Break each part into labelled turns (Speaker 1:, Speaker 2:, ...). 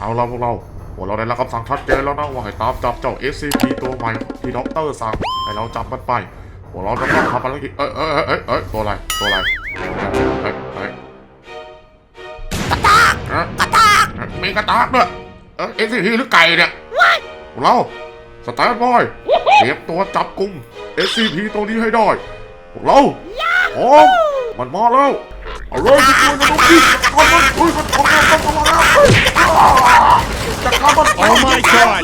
Speaker 1: เอาละพวกเราได้รับคำสั่งชัดเจนแล้วนะว่าให้ตามจับเจ้า SCP ตัวใหม่ที่ด็อกเตอร์สั่งให้เราจับมันไปพวกเราจะต้องทำภารกิจตัวอะไรกระตากมีกระตากด้วยSCP หรือไก่เนี่ยพวกเราสแตนบอยเตรียมตัวจับกุม SCP ตัวนี้ให้ได้พวกเราพร้อมมันมาแล้วเอาเลยทุกคนนะทุกคนมันทำแล้วจะทำมัน
Speaker 2: Oh my god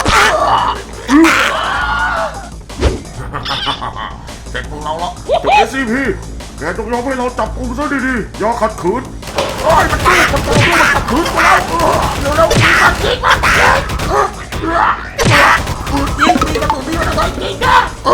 Speaker 1: เสร็จพวกเราละจุด SCP แกต้องยอมให้เราจับกุมซะดีๆอย่าขัดขืนมันขัดขืนมาแล้วเร็วๆขัดขืนมายิงกระสุนที่มันจะยิงนะ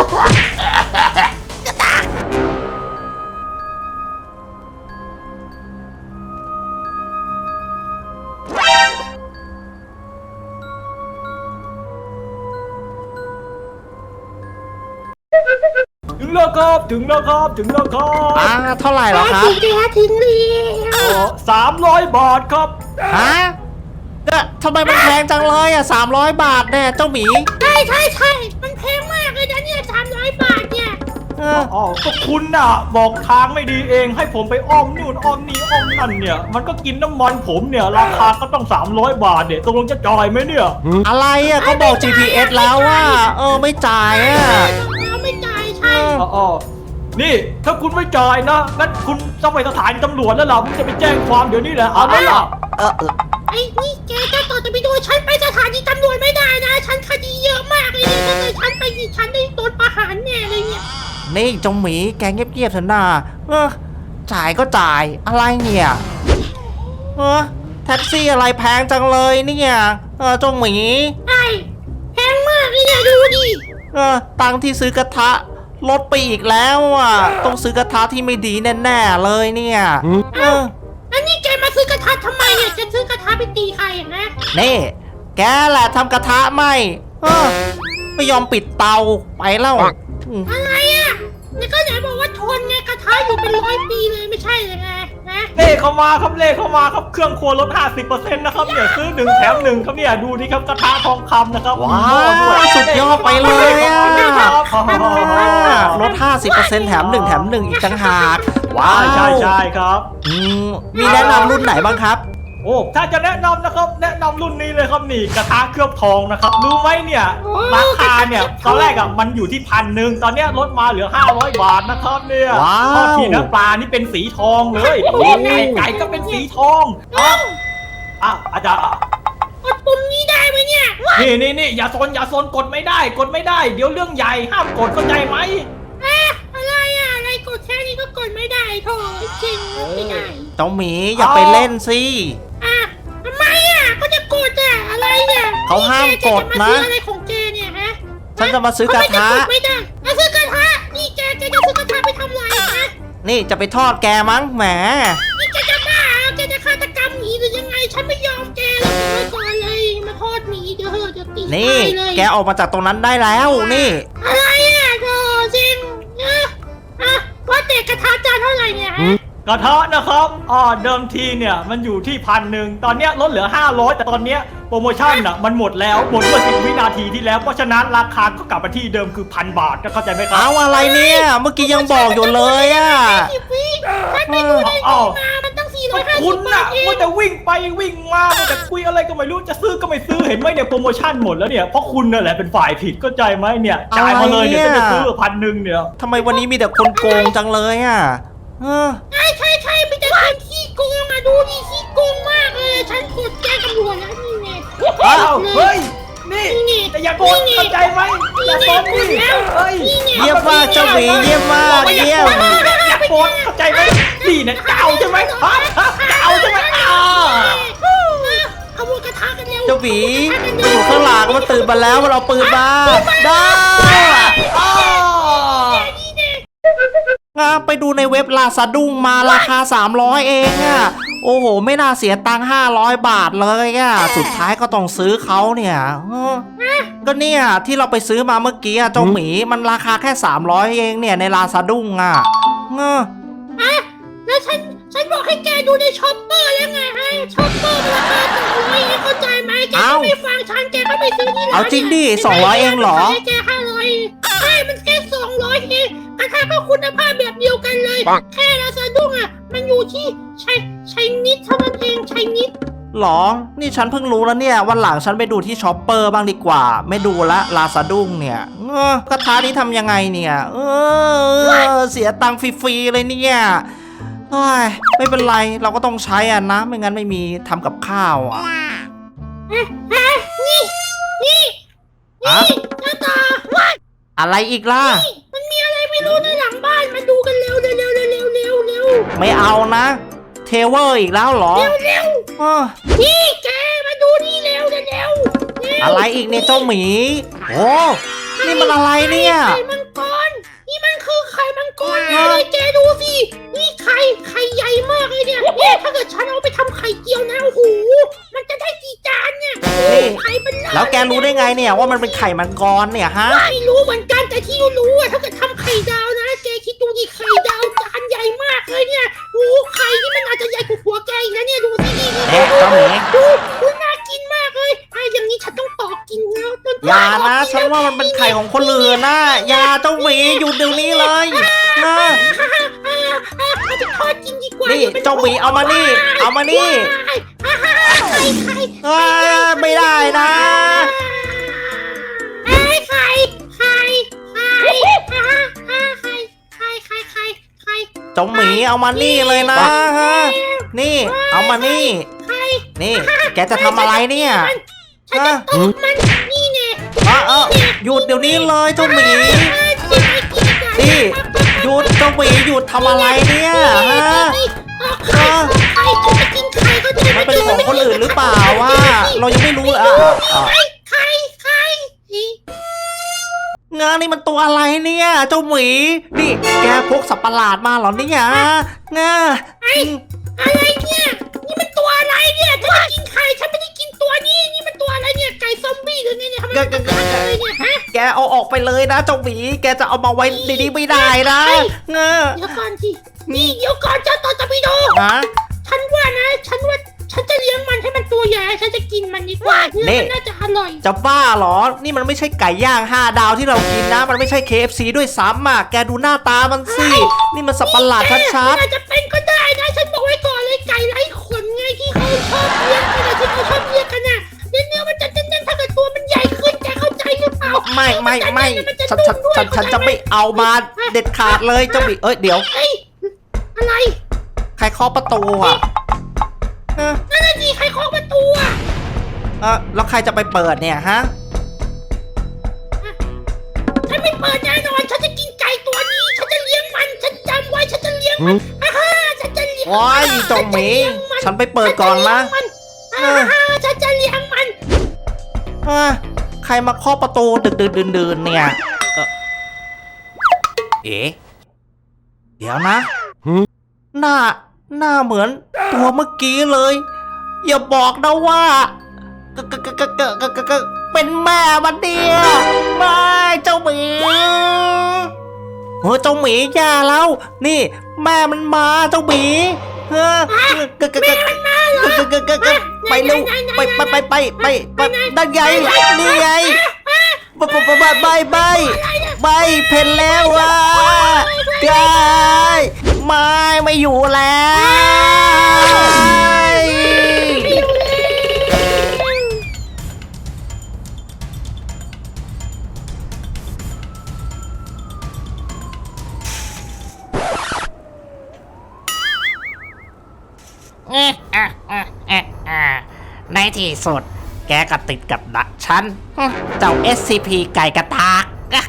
Speaker 2: ถึงแล้วครับ
Speaker 3: เท่าไหร่เหรอครับ
Speaker 4: ถึงแล้ว
Speaker 2: 300 บาทครับ
Speaker 3: ฮะเนี่ยทำไมมันแพงจังเลยอ่ะ300 บาทเนี่ยเจ้าหมี
Speaker 4: ใช่ มันแพงมากเลยนะเนี่ย300 บาทเนี่ย
Speaker 2: อ๋อก็คุณน่ะบอกทางไม่ดีเองให้ผมไปอ้อมนู่นอ้อมนี่อ้อมนั่นเนี่ยมันก็กินน้ำมันผมเนี่ยราคาก็ต้อง300 บาทเนี่ยตกลงจะจ่ายไหมเนี่ย
Speaker 3: อะไรอ่ะก็บอก GPS แล้วว่าไม่จ่ายอ่ะ
Speaker 4: เราไม่จ่ายใช่
Speaker 2: อ๋อนี่ถ้าคุณไม่จ่ายนะงั้นคุณต้องไปสถานีตำรวจแล้วล่ะผมจะไปแจ้งความเดี๋ยวนี้แหละเอาละล่ะ
Speaker 4: ไอ้นี่แกจะต่อจะไปดูฉันไปสถานีตำรวจไม่ได้นะฉันคดีเยอะมากเลยเนี่ยถ้าเกิดฉันไปนี่ฉันได้โดนประหารแน่เลยเนี่ย
Speaker 3: นี่เจ้าหมีแกเงียบๆเถอะนะจ่ายก็จ่ายอะไรเนี่ยแท็กซี่อะไรแพงจังเลยเนี่ยเจ้าหมี
Speaker 4: ใช่แพงมากเลยเนี่ยดูดิ
Speaker 3: ตังค์ที่ซื้อกระทะลดไปอีกแล้วอ่ะต้องซื้อกระทะที่ไม่ดีแน่ๆเลยเนี่ย
Speaker 4: แล้วนี่แกมาซื้อกระทะทำไมเนี่ยจะซื้อกระทะไปตีใครอ่ะนะ
Speaker 3: นี่แกแหละทำกระทะไหมไม่ยอมปิดเตาไปแล้ว
Speaker 4: อะไรอ่ะนี่ก็ไหนบอกว่าทนไงกระทะอยู่เป็น100 ปีเลยไม่ใช่เลยไงนะ
Speaker 2: เลขเข้ามาครับเครื่องครัวลด 50% นะครับเนี่ยซื้อ1 แถม 1ครับเนี่ยดูนี่ครับกระทะทองคำนะครับ
Speaker 3: ว้าวสุดยอดไปเลยอ่ะลด 50% แถม 1 แถม 1 อีกต่างหากว้าว
Speaker 2: ใช่ครับ
Speaker 3: มีแนะนำรุ่นไหนบ้างครับ
Speaker 2: โอ้ถ้าจะแนะนำนะครับแนะนำรุ่นนี้เลยครับนี่กระทะเคลือบทองนะครับรู้ไหมเนี่ยราคาเนี่ยตอนแรกอ่ะมันอยู่ที่1,000ตอนเนี้ยลดมาเหลือ500 บาทนะครับเนี่ย
Speaker 3: ว้าว
Speaker 2: ทอดทีนะปลานี่เป็นสีทองเลยไก่ก็เป็นสีทองอาจารย์
Speaker 4: กดปุ่มนี้ได้ไหมเนี่ย
Speaker 2: นี่อย่าโซนกดไม่ได้เดี๋ยวเรื่องใหญ่ห้ามกดเข้าใจไหม
Speaker 4: อะไรอ่ะอะไรกดแค่นี้ก็กดไม่ได้โถจริงไม่ได้
Speaker 3: เจ้าหมีอย่าไปเล่นสิ
Speaker 4: ทำไมอ่ะก็จะกดอ่ะอะไรเนี่ย
Speaker 3: เขาห้ามกดนะ
Speaker 4: อะไรของแกเนี่ยฮะ
Speaker 3: ฉันจะมาซื้อกระทะ
Speaker 4: ไม่ได้มาซื้อกระทะนี่แกจะซื้อกระทะไปทำอะไรฮะ
Speaker 3: นี่จะไปทอดแกมั้งแหม
Speaker 4: นี่แกจะบ้าแกจะฆาตกรรมหมีหรือยังไงฉันไม่ยอมแกเลยก่อนเลยมาทอดหมีเดี๋ยวเหอะจะตี
Speaker 3: นี่
Speaker 4: เลย
Speaker 3: แกออกมาจากตรงนั้นได้แล้วนี่
Speaker 4: อะไรอ่ะโธ่จริงว่าแต่กระทะจานเท่าไหร่เนี่ยฮะ
Speaker 2: กระทะนะครับเดิมทีเนี่ยมันอยู่ที่1,000ตอนเนี้ยลดเหลือ500แต่ตอนเนี้ยโปรโมชั่นอ่ะมันหมดแล้วหมดเมื่อ10 วินาทีที่แล้วเพราะฉะนั้นราคาก็กลับมาที่เดิมคือ1,000 บาทเข้าใจไหมครับ
Speaker 3: เอาอะไรเนี่ยเมื่อกี้ยังบอกอยู่เลยอ่ะ
Speaker 4: ฉันไปดูในนี้มามันตั้ง450
Speaker 2: คุณ
Speaker 4: บา
Speaker 2: น่ะ
Speaker 4: ทเอง
Speaker 2: ว่าแต่วิ่งไปวิ่งมาแต่คุยอะไรก็ไม่รู้จะซื้อก็ไม่ซื้อเห็นไหมเนี่ยโปรโมชั่นหมดแล้วเนี่ยเพราะคุณนั่นแหละเป็นฝ่ายผิดเข้าใจไหมเนี่ยจ่ายมาเลยเนี่ยจะซื้อ1,000เนี่ย
Speaker 3: ทำไมวันนี้มีแต่คนโกงจังเลยอ่ะ
Speaker 4: ใช่มีแต่คนขี้โกงมาดูดิขี้โกงมากเลยฉันกดแจ้งตำรวจแล้วนี่ไง
Speaker 2: อ้าวเฮ้ยนี่แต่อย่าโกงเข้าใจไหมอย่าโกงดิเฮ้ย
Speaker 3: เยี่ยมมากเจ้าหมีเยี่ยมมากเยี่ยม
Speaker 2: อย่าโกงเข้าใจไหมนี่เนี่ยจะเอาใช่ไหมจะเอาใช่ไหม
Speaker 4: ขโมยกระทะกันเร็ว
Speaker 3: เจ้าหมีมาอยู่ข้างหลังมันตื่นมาแล้วมันเอาปืนมาได้ไปดูในเว็บลาซาดุ้งมาราคา300เองอ่ะโอ้โหไม่น่าเสียตังค์500 บาทเลยอ่ะสุดท้ายก็ต้องซื้อเขาเนี่ยก็เนี่ยที่เราไปซื้อมาเมื่อกี้เจ้าหมีมันราคาแค่300เองเนี่ยในลาซาดุ้งอ่ะ
Speaker 4: แล้วฉันบอกให้แกดูในช็อปเปอร์แล้วไงฮะช็อปเปอร์ราคา200เข้าใจไหมไปซื้อที่ร้าน
Speaker 3: เอาจริงดิ200เองเหรอ
Speaker 4: ให้แค่500ใช่มันแค่200เองกระทะก็คุณภาพแบบเดียวกันเลย แค่ราซาดุ้งอ่ะมันอยู่ที่ใช้นิดเท่านั้นเองใช้นิด
Speaker 3: หรอ นี่ฉันเพิ่งรู้แล้วเนี่ย วันหลังฉันไปดูที่ช็อปเปอร์บ้างดีกว่า ไม่ดูละลาซาดุ้งเนี่ยกระทะนี้ทำยังไงเนี่ยเสียตังค์ฟรีๆเลยเนี่ยเฮ้ยไม่เป็นไรเราก็ต้องใช้อ่ะนะ ไม่งั้นไม่มีทำกับข้าวอ่ะ
Speaker 4: นี่
Speaker 3: อะ
Speaker 4: หน้าตาว่า
Speaker 3: อะไรอีกล่ะ
Speaker 4: มันมีอะไรไม่รู้ในหลังบ้านมาดูกันเร็วเร็ว
Speaker 3: ไม่เอานะ เทเวอร์อีกแล้วเหรออ้อ
Speaker 4: นี่แกมาดูนี่เร็ว
Speaker 3: อะไรอีกเนี่ยเจ้าหมี โอ้นี่มันอะไรเนี่ย
Speaker 4: ไข่มังกรนี่มันคือไข่มังกรเลยแกดูสินี่ไข่ใหญ่มากเลยเนี่ยถ้าเกิดฉันเอาไปทำไข่เจียวนะโอ้โหมันจะได้กี่จานเนี่ยไข่เป็นล้าน
Speaker 3: แล้วแกรู้ได้ไงเนี่ยว่ามันเป็นไข่มังกรเนี่ยฮะ
Speaker 4: ไม่รู้เหมือนกันแต่ที่รู้อะถ้าเกิดทำไข่ดาวนะแกคิดดูดิไข่ดาวจานใหญ่มากเลยเนี่ยโอ้ไข่นี่มันอาจจะใหญ่กว่าหัวแกอีกนะเนี่ยดูสินี่
Speaker 3: เอ๊ะเจ้าหมี
Speaker 4: ดูน่ากินมากเลยอย่างนี้ฉันต้องต่อกินแล้ว
Speaker 3: อย่านะ ฉันว่ามันเป็นไข่ของคนอื่นนะอย่าเจ้าหมีหยุดเดี๋ยวนี้เลยนะ
Speaker 4: เอาไปทอดกินดีกว่า
Speaker 3: นี่เจ้าหมีเอามานี่ เอามานี่
Speaker 4: ไข่
Speaker 3: ไม่ได้นะ
Speaker 4: ไข่
Speaker 3: เจ้าหมีเอามานี่เลยนะฮะนี่ เอามานี่ นี่ แกจะทำอะไรเนี่ย
Speaker 4: ฉันจะตบมันนี่ไง
Speaker 3: หยุดเดี๋ยวนี้เลยเจ้าหมี นี่หยุดเจ้าหมีหยุดทำอะไรเนี่ยฮะ
Speaker 4: ไข่จะกินไข่ก็จะ
Speaker 3: มันเป็นของคนอื่นหรือเปล่าว่าเรายังไม่รู้เลย
Speaker 4: ไข่
Speaker 3: งานนี่มันตัวอะไรเนี่ยเจ้าหมีนี่แกพกสัตว์ประหลาดมาเหรอเนี่ยงา
Speaker 4: อะไรเนี่ยนี่มันตัวอะไรเนี่ยฉันจะกินไข่ฉันไม่ได้กินตัวนี้นี่มันตัวอะไรเนี่ยไก่ซอมบี้หรือไงเนี่ยทำไมมันเป็นอะไรเนี่ยฮะ
Speaker 3: แกเอาออกไปเลยนะเจ้าหมีแกจะเอามาไว้ในนี้ไม่ได้นะงา
Speaker 4: เดี๋ยวก่อนสินี่เดี๋ยวก่อนเจ้าต่อตะปิโด
Speaker 3: ฮะ
Speaker 4: ฉันว่าฉันจะเลี้ยงมันให้มันตัวใหญ่ฉันจะกินมันดีกว่าเนื้อมันน่าจะอร่อย
Speaker 3: จะบ้าเหรอนี่มันไม่ใช่ไก่ย่าง5 ดาวที่เรากินนะมันไม่ใช่ KFC ด้วยซ้ำอ่ะแกดูหน้าตามันสินี่มันสัตว์ประหลาดชัด
Speaker 4: อาจจะเป็นก็ได้นะฉันบอกไว้ก่อนเลยไก่ไร้ขนไงที่เขาชอบเลี้ยงกันที่เขาชอบเลี้ยงกันน่ะเนื้อมันจะเน้นๆถ้าเกิดตัวมันใหญ่ขึ้นแกเข้าใจหรือเปล่า
Speaker 3: ๆไม่ฉันจะไม่เอามาเด็ดขาดเลยเจ้าหมีเดี๋ยว
Speaker 4: อะไร
Speaker 3: ใครเคาะประตูอ่ะ
Speaker 4: นั่นน่ะสิใครเคาะประตูอ่ะ
Speaker 3: แล้วใครจะไปเปิดเนี่ยฮะ
Speaker 4: ฉันไม่เปิดแน่นอนฉันจะกินไก่ตัวนี้ฉันจะเลี้ยงมันฉันจำไว้ฉันจะเลี้ยงมันฉันจะเลี้ยง
Speaker 3: ว้ายเจ้าหมีฉันไปเปิดก่อนนะ
Speaker 4: ฉันจะเลี้ยงมัน
Speaker 3: ใครมาเคาะประตูดึกดื่นเนี่ยเดี๋ยวนะหน้าเหมือนตัวเมื่อกี้เลย อย่าบอกนะว่าเป็นแม่มันเดียไม่เจ้าหมีเจ้าหมีแย่แล้ว นี่แม่มันมาเจ้าหมีไปเร็วไปนั่นไงนี่ไงไปเพ่นแล้วว่ะกายไม่อยู่แล้วในที่สุดแกก็ติดกับดักฉันเจ้า SCP ไก่กระตาก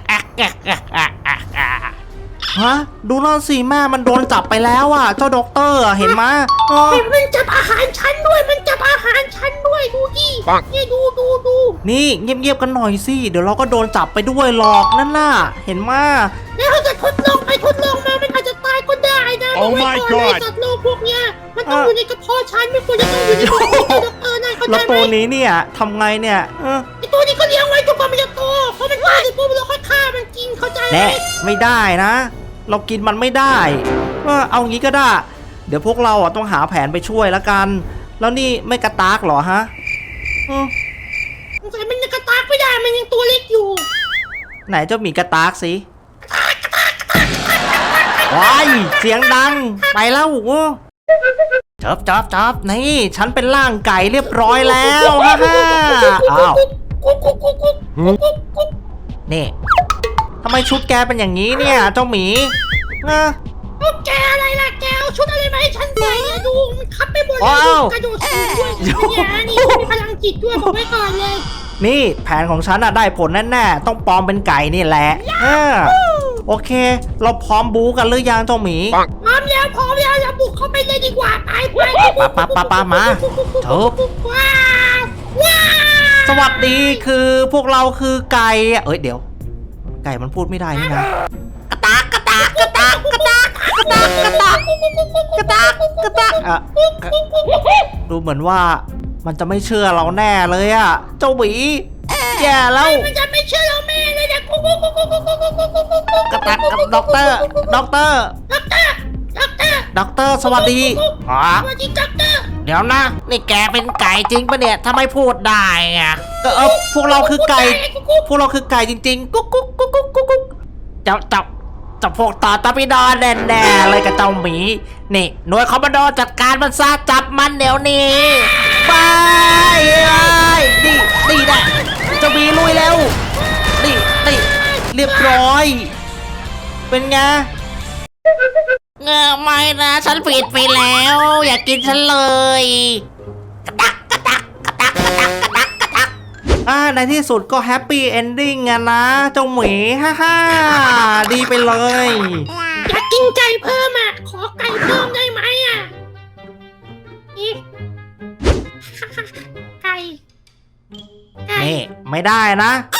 Speaker 3: ฮะดูนั่นสิแม่มันโดนจับไปแล้วอ่ะเจ้าด็อกเตอร์เห็นไหม
Speaker 4: มันจับอาหารฉันด้วยมันจับอาหารฉันด้วยดูดินี่ดู
Speaker 3: นี่เงียบๆกันหน่อยสิเดี๋ยวเราก็โดนจับไปด้วยหรอกนั่นน่ะเห็นไหม
Speaker 4: แล้วถ้าเกิดทดลองไปทดลองมามันอาจจะตายก็ได้นะโอ้ my god สัตว์โลกพวกเนี้ยมันต้องอยู่ในกระเพาะฉันไม่ควรจะต้องอยู่ในกระเพาะด็อกเตอร์นะเข้าใจไหม
Speaker 3: แล้วตัวนี้เนี่ยทำไงเนี่ย
Speaker 4: ไอตัวนี้ก็เลี้ยงไว้จนกว่ามันจะโตเพราะมันตายเสร็จปุ๊บเราค่อยฆ่ามันกินเข้าใจไหม
Speaker 3: ไม่ได้นะเรากินมันไม่ได้เอางี้ก็ได้เดี๋ยวพวกเราต้องหาแผนไปช่วยแล้วกันแล้วนี่ไม่กระตากเหรอฮะ
Speaker 4: สงสัยมันจะกระตากมันยังตัวเล็กอยู่
Speaker 3: ไหนเจ้าหมีกระตากสิว้ายเสียงดังไปแล้วจับนี่ฉันเป็นร่างไก่เรียบร้อยแล้วฮ่าอ้าวนี่ทำไมชุดแกเป็นอย่างนี้เนี่ยเจ้าหมีนะ
Speaker 4: เอาแกอะไรล่ะแกเอาชุดอะไรมาให้ฉันใส่เนี่ยดูมันคับไปหมดเลย
Speaker 3: ว้าว
Speaker 4: กระโดดสูงด้วยเนี่ยนี่มีพลังจิตด้วยบอกไว้ก่อนเลย
Speaker 3: นี่แผนของฉันอะได้ผลแน่ๆต้องปลอมเป็นไก่นี่แหละโอเค เราพร้อมบู๊กันหรือยังเจ้าหมี
Speaker 4: พร้อมแล้วเราบุกเข้าไปเลยดีกว่าไป
Speaker 3: ปะมาเถอะ
Speaker 4: ว้าว
Speaker 3: สวัสดีคือพวกเราคือไก่เอ้ยเดี๋ยว ไก่มันพูดไม่ได้นี่นะกระตากอะดูเหมือนว่ามันจะไม่เชื่อเราแน่เลยอะเจ้าหมีแย่แล้ว
Speaker 4: มันจะไม่เชื่อเราแม่เลยนะ
Speaker 3: กระตักกับด็อกเตอร์ด็อกเตอร์สวัสดีอ๋อ
Speaker 4: สวัสดีด็อกเตอร์
Speaker 3: เดี๋ยวนะนี่แกเป็นไก่จริงปะเนี่ยถ้าไม่พูดได้อะก็พวกเราคือไก่พวกเราคือไก่จริงๆกุ๊กจับพวกต่อตาพิดอนแน่ๆเลยกับเจ้าหมีนี่หน่วยคอมมานโดจัดการมันซะจับมันเดี๋ยวนี้ไปนี่แหละเจ้าหมีลุยแล้วนี่เรียบร้อยเป็นไงไม่นะฉันผิดไปแล้วอย่ากินฉันเลยกระตักในที่สุดก็แฮปปี้เอนดิ้งอะนะเจ้าหมีฮ่าดีไปเลย
Speaker 4: อยากกินไก่เพิ่มอ่ะขอไก่เพิ่มได้ไหมอ่ะนี่ไก่
Speaker 3: นี่ไม่ได้นะ